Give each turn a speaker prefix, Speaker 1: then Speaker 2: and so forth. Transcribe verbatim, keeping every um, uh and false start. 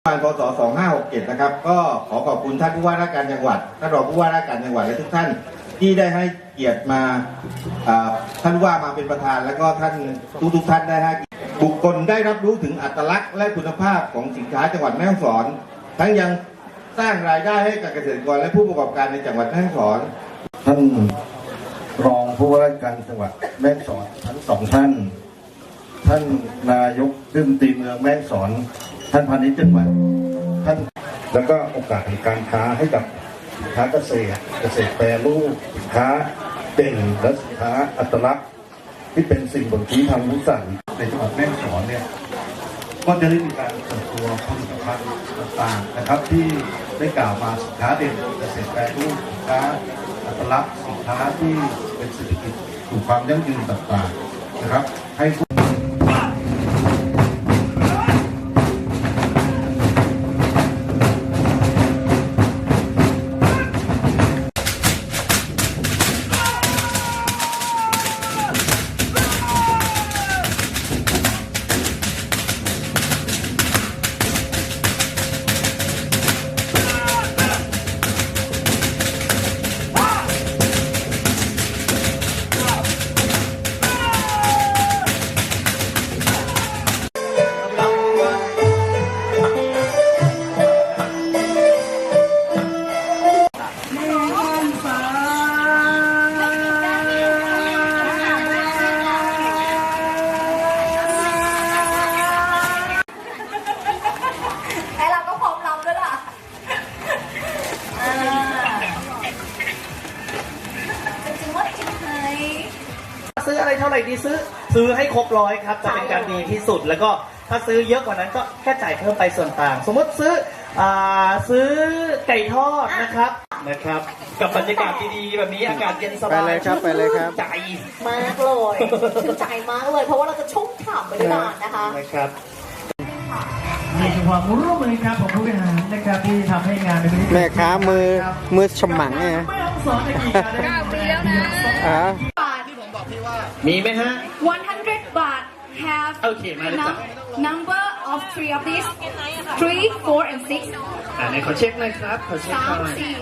Speaker 1: การพศสองห้าหกเจ็ดนะครับก็ขอขอบคุณท่านผู้ว่าราชการจังหวัดท่านรองผู้ว่าราชการจังหวัดและทุกท่านที่ได้ให้เกียรติมาท่านว่ามาเป็นประธานแล้วก็ท่านทุกทุกท่านได้ให้บุคคลได้รับรู้ถึงอัตลักษณ์และคุณภาพของสินค้าจังหวัดแม่ฮ่องสอนทั้งยังสร้างรายได้ให้กับเกษตรกรและผู้ประกอบการในจังหวัดแม่ฮ่องสอนท่านรองผู้ว่าราชการจังหวัดแม่ฮ่องสอนทั้งสองท่านท่านนายกรัฐมนตรีเมืองแม่ฮ่องสอนท่านพาณิชย์จังหวัดท่านแล้วก็โอกาสในการค้าให้กับสินค้าเกษตรเกษตรแปรรูปสินค้าเด่นและสินค้าอัตลักษณ์ที่เป็นสิ่งบ่งชี้ทางวิสัยในจังหวัดแม่ฮ่องสอนเนี่ยก็จะได้มีการเปิดตัวผลิตภัณฑ์ต่างๆนะครับที่ได้กล่าวมาสินค้าเด่นเกษตรแปรรูปสินค้าอัตลักษณ์สินค้าที่เป็นเศรษฐกิจสู่ความยั่งยืนต่างๆนะครับให้
Speaker 2: ซื้ออะไรเท่าไหร่ดีซื้อซื้อให้ครบร้อยครับจะเป็นการดีที่สุดแล้วก็ถ้าซื้อเยอะกว่านั้นก็แค่จ่ายเพิ่มไปส่วนต่างสมมติซื้ออ่าซื้อไก่ทอดนะครับนะครับกับบรรยากาศดีๆแบบนี้อากาศเย็นสบาย
Speaker 3: ไปเลยครับไปเลยครับ
Speaker 2: ใจ
Speaker 4: มากเลยถึงใจมากเลยเพราะว่าเราจะชุ่มฉ่ำไปด้วยกันนะคะ
Speaker 2: นะครับ
Speaker 5: นี่คือความร่วมมือครับของผู้บริหารนะครับที่ทำให้งานในวันนี้
Speaker 3: แม่ค้ามือมือฉมังไง
Speaker 5: ไม่ต้องสอนในกี่การเก้าปีแล้วนะ
Speaker 3: อ่า
Speaker 2: มีไหมฮะ
Speaker 6: one hundred baht have
Speaker 2: โอเคมาเลยจ้ะ
Speaker 6: number of three of these three four and six
Speaker 2: อ่าไหนขอเช็คหน่อยครับขอเช็คหน่อย